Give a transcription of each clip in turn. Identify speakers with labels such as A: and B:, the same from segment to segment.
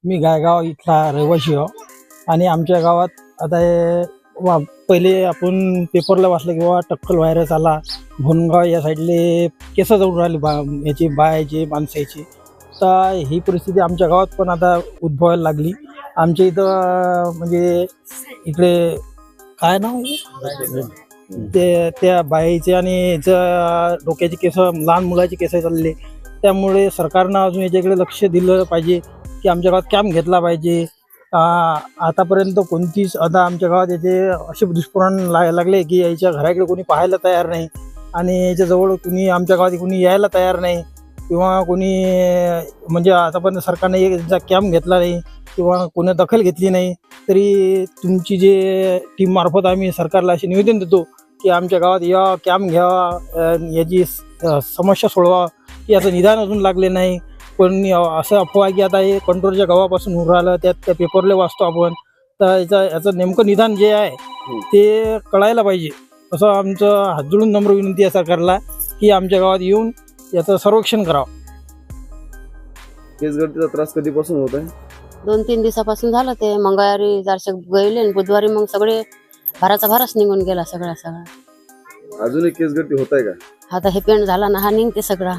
A: मी गायगाव इथला रहिवासी आहे आणि आमच्या गावात आता पहिले आपण पेपरला वाचलं किंवा टक्कल व्हायरस आला, भोनगाव या साईडले केस जाऊन राहिले याची बायाची माणसाची. तर ही परिस्थिती आमच्या गावात पण आता उद्भवायला लागली. आमच्या इथं म्हणजे इकडे काय नाव आहे ते त्या बाईचे आणि याचं डोक्याचे केस, लहान मुलाचे केस चालले. त्यामुळे सरकारनं अजून याच्याकडे लक्ष दिलं पाहिजे की आमच्या गावात कॅम्प घेतला पाहिजे. आतापर्यंत कोणतीच आता आमच्या गावात याचे असे दुष्परिणाम लागले की याच्या घराकडे कोणी पाहायला तयार नाही आणि याच्याजवळ कोणी आमच्या गावात कोणी यायला तयार नाही किंवा कोणी म्हणजे आतापर्यंत सरकारने याचा कॅम्प घेतला नाही किंवा कोणी दखल घेतली नाही. तरी तुमची जे टीममार्फत आम्ही सरकारला असे निवेदन देतो की आमच्या गावात या कॅम्प घ्यावा, याची समस्या सोडवा. याचं निदान अजून लागले नाही. पण असं अफवा आहे की आता हे कंट्रोलच्या गावापासून होऊन राहिलं, त्यात त्या पेपरला वाचतो आपण. तर याचं नेमकं निदान जे आहे ते कळायला पाहिजे, असं आमचं हात जोडून नम्र विनंती आहे सरकारला की आमच्या गावात येऊन याचं सर्वेक्षण करावं.
B: केसगळतीचा त्रास कधीपासून होत आहे?
C: 2-3 दिवसापासून झालं. ते मंगळवारी जरसे गेले आणि बुधवारी मग सगळे भाराच निघून गेला सगळा.
B: अजूनही केसगळती होत आहे का?
C: आता हे पेंट झाला ना, हा निघते सगळा.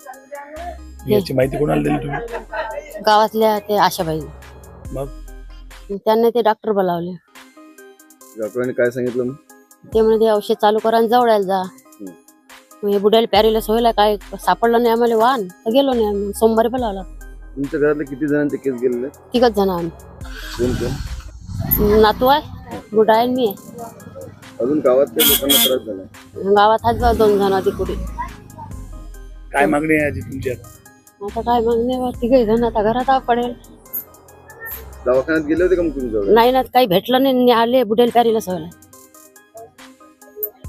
D: याची माहिती कोणाला दिली तुम्ही?
C: गावातल्या ते आशाबाई,
D: मग
C: त्यांनी ते डॉक्टर बोलावले.
B: डॉक्टरांनी काय सांगितलं मग?
C: ते म्हणजे ते औषध चालू करा आणि जवळायला जा. मग हे बुडायला पॅरिलेस व्हायला काय सापडलं नाही आम्हाला वाहन, तर गेलो नाही आम्ही. सोमवारी बोलावला.
B: तुमच्या घरातले किती जणांचे केस गेलेले?
C: 3 जण आम्ही.
B: कोण कोण?
C: नातू आहे, बुडा आहे, मी आहे.
B: अजून गावात त्या लोकांना त्रास झाला?
C: गावात आहेत 2 जण आधी कुठे.
D: काय मागणी आहे आजी तुमची आता?
C: आता काय मागणे, 3 जण आता घरात पडेल.
B: दवाखान्यात गेले होते का मग तुम्ही?
C: नाही ना, काही भेटलं नाही. आले बुडेल पॅरिलेस व्हायला.